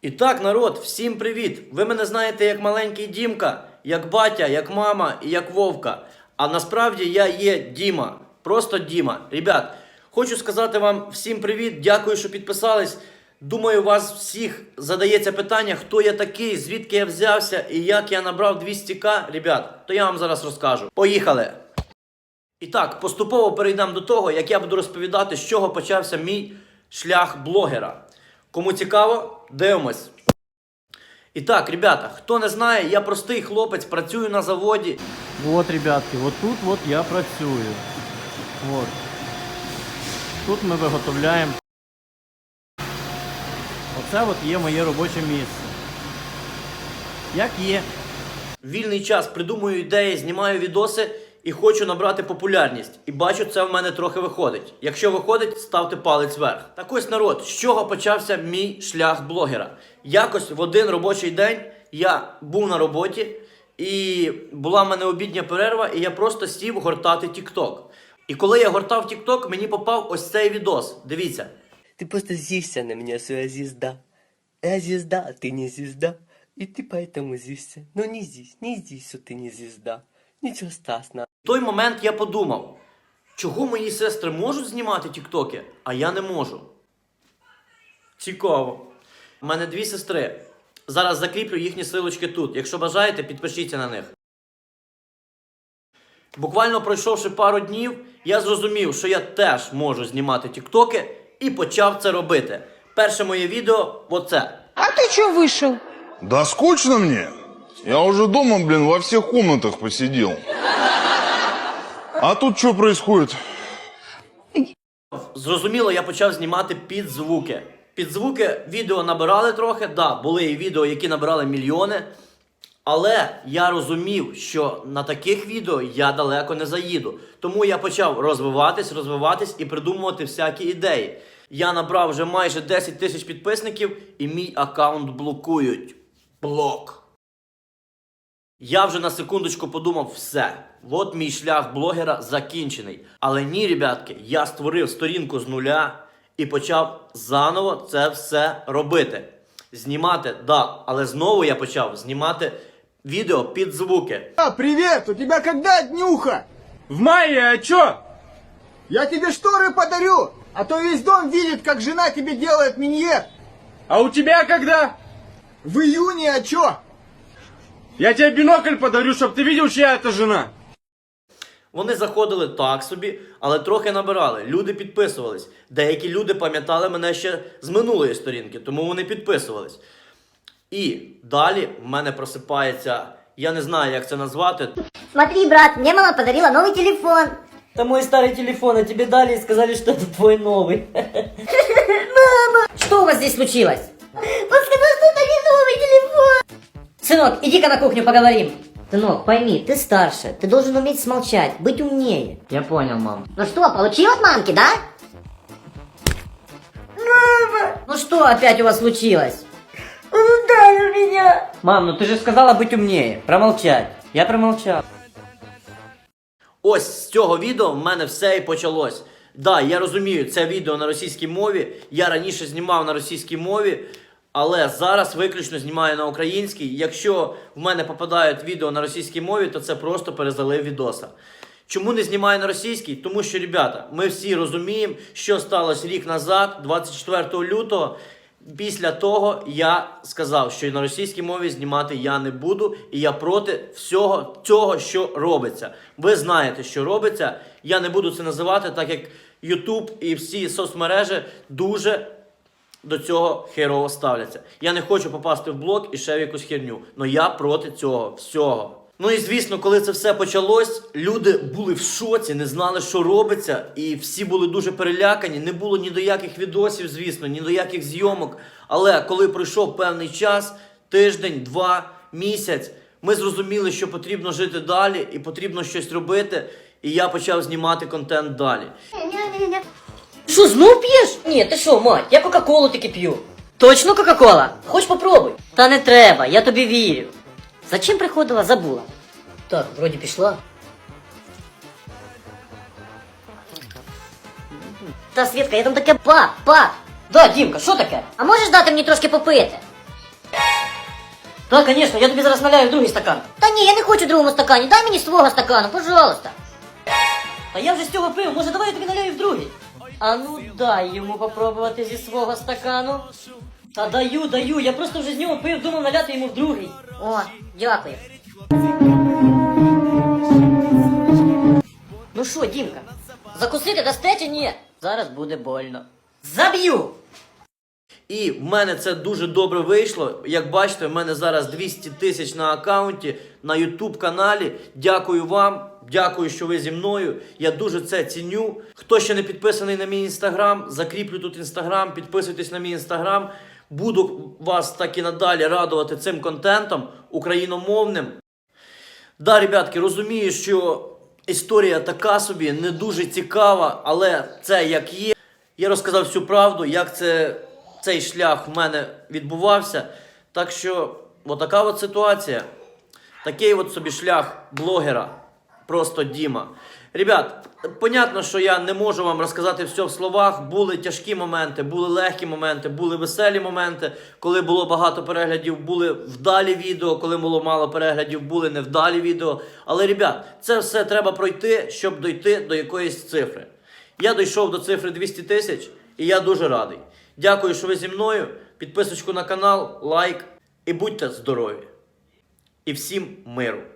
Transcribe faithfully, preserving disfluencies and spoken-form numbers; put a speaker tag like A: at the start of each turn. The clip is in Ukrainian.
A: І так, народ, всім привіт! Ви мене знаєте як маленький Дімка, як батя, як мама і як Вовка. А насправді я є Діма. Просто Діма. Ребят, хочу сказати вам всім привіт, дякую, що підписались. Думаю, у вас всіх задається питання, хто я такий, звідки я взявся і як я набрав двісті ка. Ребят, то я вам зараз розкажу. Поїхали! І так, поступово перейдемо до того, як я буду розповідати, з чого почався мій шлях блогера. Кому цікаво, дивимось. І так, ребята, хто не знає, я простий хлопець, працюю на заводі.
B: Вот, ребятки, вот тут вот я працюю. Вот. Тут ми виготовляємо. Оце от є моє робоче місце. Як є.
A: Вільний час придумую ідеї, знімаю відоси і хочу набрати популярність. І бачу, це в мене трохи виходить. Якщо виходить, ставте палець вверх. Так ось, народ, з чого почався мій шлях блогера? Якось в один робочий день я був на роботі, і була в мене обідня перерва, і я просто сів гортати TikTok. І коли я гортав TikTok, мені попав ось цей відос. Дивіться.
C: Ты просто злишься на меня, своя звезда. Я звезда, а ты не звезда. И ты поэтому злишься. Но не здесь, не здесь, что ты не звезда. Ничего страшного.
A: В той момент я подумав, чого мої сестри можуть знімати тіктоки, а я не можу. Цікаво. У мене дві сестри. Зараз закріплю їхні силочки тут. Якщо бажаєте, підпишіться на них. Буквально пройшовши пару днів, я зрозумів, що я теж можу знімати тіктоки і почав це робити. Перше моє відео – оце.
D: А ты чё вышел?
E: Да скучно мне. Я уже дома, блин, во всех комнатах посидел. А тут что происходит?
A: Зрозуміло, я почав знімати під звуки. Під звуки відео набирали трохи, да, були і відео, які набирали мільйони. Але я розумів, що на таких відео я далеко не заїду. Тому я почав розвиватись, розвиватись і придумувати всякі ідеї. Я набрав вже майже десять тисяч підписників і мій аккаунт блокують. Блок. Я вже на секундочку подумав, все, от мій шлях блогера закінчений. Але ні, ребятки, я створив сторінку з нуля і почав заново це все робити. Знімати, да, але знову я почав знімати відео під звуки.
F: А, привет! У тебя когда днюха?
G: В мае, а чё?
F: Я тебе шторы подарю, а то весь дом видит, как жена тебе делает миньет.
G: А у тебя когда?
F: В июне, а чё?
G: Я тебе бинокль подарю, чтоб ты видел, чья это жена.
A: Вони заходили так собі, але трохи набирали. Люди підписувались. Деякі люди пам'ятали мене ще з минулої сторінки, тому вони підписувались. І далі в мене просипається, я не знаю, як це назвати.
H: Смотри, брат, мне мама подарила новый телефон.
C: Это мой старый телефон, а тебе дали и сказали, что это твой новый.
H: Мама! Что у вас здесь случилось? Он сказал, что это не новый телефон. Сынок, иди-ка на кухню поговорим. Сынок, пойми, ты старше, ты должен уметь смолчать, быть умнее.
C: Я понял, мам.
H: Ну что, получил от мамки, да? Мама! Ну что опять у вас случилось? Он ударил меня.
C: Мам, ну ты же сказала быть умнее, промолчать. Я промолчал.
A: Ось з цього відео в мене все і почалось. Да, я розумію, це відео на російській мові, я раніше знімав на російській мові, але зараз виключно знімаю на українській. Якщо в мене попадають відео на російській мові, то це просто перезалив відоса. Чому не знімаю на російській? Тому що, ребята, ми всі розуміємо, що сталося рік назад, двадцять четвертого лютого. Після того я сказав, що на російській мові знімати я не буду, і я проти всього цього, що робиться. Ви знаєте, що робиться. Я не буду це називати, так як YouTube і всі соцмережі дуже до цього херово ставляться. Я не хочу попасти в блок і ще в якусь херню. Но я проти цього всього. Ну і звісно, коли це все почалось, люди були в шоці, не знали, що робиться. І всі були дуже перелякані. Не було ні до яких відосів, звісно, ні до яких зйомок. Але коли пройшов певний час, тиждень, два, місяць, ми зрозуміли, що потрібно жити далі і потрібно щось робити. І я почав знімати контент далі.
H: Что, знов пьешь? Нет, ты что, мать, я кока-колу таки пью. Точно кока-кола? Хочешь попробуй? Та не треба, я тобі вірю. Зачем приходила, забула. Так, вроді пішла. Та, Світка, я там таке, пап, пап. Да, Дімка, що таке? А можеш дати мені трошки попити? Так, звісно, я тобі зараз наляю в другий стакан. Та ні, я не хочу в другому стакані, дай мені свого стакану, пожалуйста. Та я вже з цього пив, може давай я тобі наляю в другий? А ну дай йому попробувати зі свого стакану. Та даю, даю, я просто вже з нього пив, думав наляти йому в другий. О, дякую. Ну що, Дімка, закусити дасте чи ні? Зараз буде больно. Заб'ю!
A: І в мене це дуже добре вийшло. Як бачите, в мене зараз двісті тисяч на аккаунті, на YouTube каналі. Дякую вам, дякую, що ви зі мною. Я дуже це ціню. Хто ще не підписаний на мій інстаграм, закріплю тут інстаграм, підписуйтесь на мій інстаграм. Буду вас так і надалі радувати цим контентом україномовним. Да, ребятки, розумію, що історія така собі, не дуже цікава, але це як є. Я розказав всю правду, як це, цей шлях в мене відбувався. Так що, отака от ситуація. Такий от собі шлях блогера. Просто Діма. Ребят, понятно, що я не можу вам розказати все в словах. Були тяжкі моменти, були легкі моменти, були веселі моменти, коли було багато переглядів, були вдалі відео, коли було мало переглядів, були невдалі відео. Але, ребят, це все треба пройти, щоб дойти до якоїсь цифри. Я дійшов до цифри двісті тисяч і я дуже радий. Дякую, що ви зі мною. Підписочку на канал, лайк і будьте здорові. І всім миру.